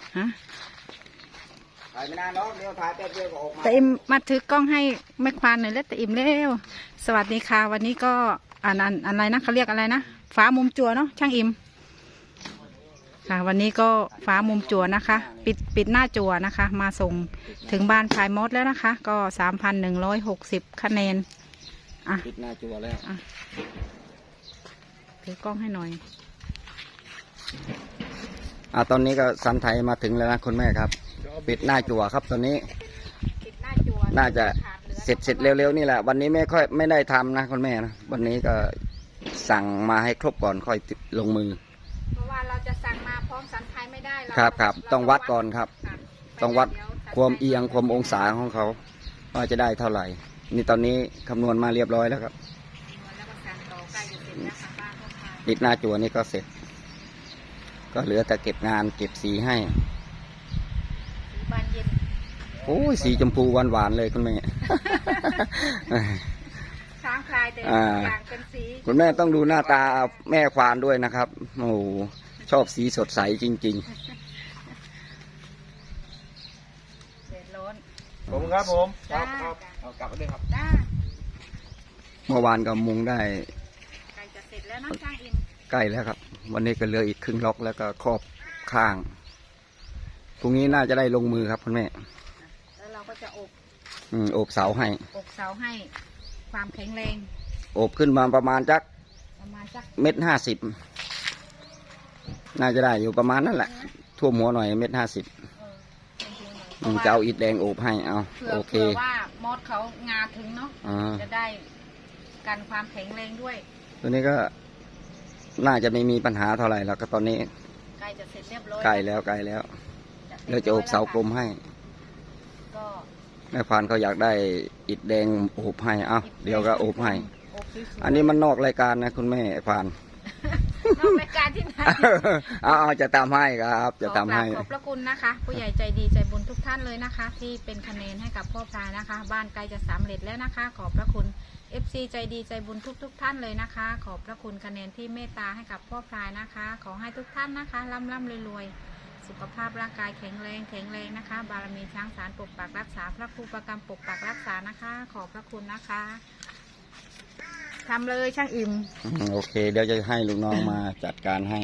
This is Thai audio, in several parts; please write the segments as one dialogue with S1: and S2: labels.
S1: ฮะ
S2: ถ่ายไม่นานเนาะเดี๋ยวถ่ายแป๊บเดียวก็ออกมา
S1: แต่อิมมาถือกล้องให้แม่ควานหน่อยแล้วแต่อิมเร็วสวัสดีค่ะวันนี้ก็อะไรนะเขาเรียกอะไรนะฟ้ามุมจั่วเนาะช่างอิมค่ะวันนี้ก็ฟ้ามุมจั่วนะคะปิดหน้าจั่วนะคะมาส่งถึงบ้านพายมดแล้วนะคะก็3,160 คะแนนอ่ะ
S2: ปิดหน้าจั่วแล้ว
S1: ถือกล้องให้หน่อย
S2: ตอนนี้ก็สันไทยมาถึงแล้วนะคุณแม่ครับปิดหน้าจั่วครับตอนนี้น่าจะเสร็จเร็วๆนี่แหละวันนี้ไม่ได้ทำนะคุณแม่นะวันนี้ก็สั่งมาให้ครบก่อนค่อยลงมือ
S1: เพราะว่าเราจะสั่งมาพร้อมสันไทยไม่ได้
S2: ครับต้องวัดก่อนครับต้องวัดความเอียงความองศาของเขาว่าจะได้เท่าไหร่นี่ตอนนี้คำนวณมาเรียบร้อยแล้วครับปิดหน้าจั่วนี่ก็เสร็จก็เหลือแต่เก็บงานเก็บสีให้โอ้ยสีชมพูหวานๆเลยคุณแม่
S1: ช้างคลายแต่ต่างเป็นสี
S2: คุณแม่ต้องดูหน้าตาแม่ควานด้วยนะครับโอ้ชอบสีสดใสจริงๆ
S1: เด็ดร้อน
S3: ผมครับผมครับเอากลับมาเลยครับ
S2: เมื่อวานก็มุงได้
S1: ใกล้จะเสร็จแล้วนะช่างอิน
S2: ใกล้แล้วครับวันนี้ก็เหลืออีกครึ่งล็อกแล้วก็ครอบข้างพรุ่งนี้น่าจะได้ลงมือครับคุณแม่
S1: แล้วเราก็จะ
S2: อบเสาให้
S1: ความแข็งแรง
S2: อบขึ้นมาประมาณจัก1.50 เมตรน่าจะได้อยู่ประมาณนั่นแหละท่วมหัวหน่อย1.50 เมตรจะเอาอิฐแดงอบให้เอาโอเค
S1: ว่ามดเขางาถึงเนาะจะได้กันความแข็งแรงด้วย
S2: ตัวนี้ก็น่าจะไม่มีปัญหาเท่าไหร่แล้วก็ตอนนี้
S1: ใกล้จะเสร็จเรียบร้อย
S2: ใกล้แล้วเราจะอบเสากลมให้แม่พานเขาอยากได้อิฐแดงอบให้เดี๋ยวก็อบให้อันนี้มันนอกรายการนะคุณแม่พาน
S1: นอกรายการที่ไหน
S2: จะตามให้ครับจะตามให้
S1: ขอบพระคุณนะคะผู้ใหญ่ใจดีใจบุญทุกท่านเลยนะคะที่เป็นคะแนนให้กับพ่อพลายนะคะบ้านใกล้จะสำเร็จแล้วนะคะขอบพระคุณ FC ใจดีใจบุญทุกท่านเลยนะคะขอบพระคุณคะแนนที่เมตตาให้กับพ่อพลายนะคะขอให้ทุกท่านนะคะร่ำรวยสุขภาพร่างกายแข็งแรงนะคะบารมีช้างสารปกปักรักษาพระครูประกรรมปกปักรักษานะคะขอบพระคุณนะคะทำเลยช่างอิ่ม
S2: โอเคเดี๋ยวจะให้ลูกน้องมาจัดการให้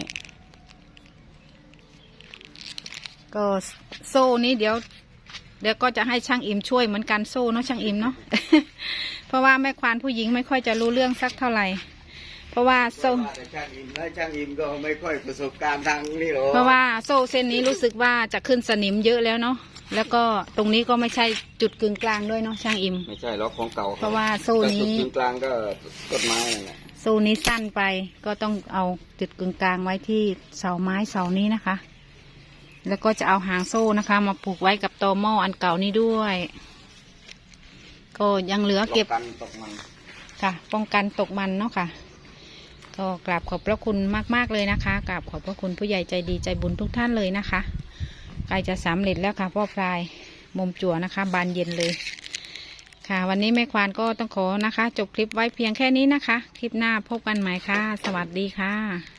S1: ก็โซ่นี้เดี๋ยวก็จะให้ช่างอิ่มช่วยเหมือนกันโซ่เนาะช่างอิ่มเนาะ เพราะว่าแม่ควานผู้หญิงไม่ค่อยจะรู้เรื่องสักเท่าไหร่เพราะว่าโซ่
S2: ช่างอิ่มก็ไม่ค่อยประสบการณ์ทางนี้หรอก
S1: เพราะว่าโซ่เส้นนี้รู้สึกว่าจะขึ้นสนิมเยอะแล้วเนาะแล้วก็ตรงนี้ก็ไม่ใช่จุดกึ่งกลางด้วยเนาะช่างอิ่ม
S2: ไม่ใช่หรอกของเก่า
S1: เพราะว่าโซ่นี้
S2: จุดกึ่งกลางก็ต้นไม้นั่นแหละ
S1: โซ่นี้สั้นไปก็ต้องเอาจุดกึ่งกลางไว้ที่เสาไม้เสานี้นะคะแล้วก็จะเอาหางโซ่นะคะมาผูกไว้กับตอหม้ออันเก่านี้ด้วยก็ยังเหลือเก็บค่ะป้องกันตกมันเนาะค่ะก็กราบขอบพระคุณมากๆเลยนะคะกราบขอบพระคุณผู้ใหญ่ใจดีใจบุญทุกท่านเลยนะคะใกล้จะสำเร็จแล้วค่ะพ่อพลายมุมจั่วนะคะบานเย็นเลยค่ะวันนี้แม่ควานก็ต้องขอนะคะจบคลิปไว้เพียงแค่นี้นะคะคลิปหน้าพบกันใหม่ค่ะสวัสดีค่ะ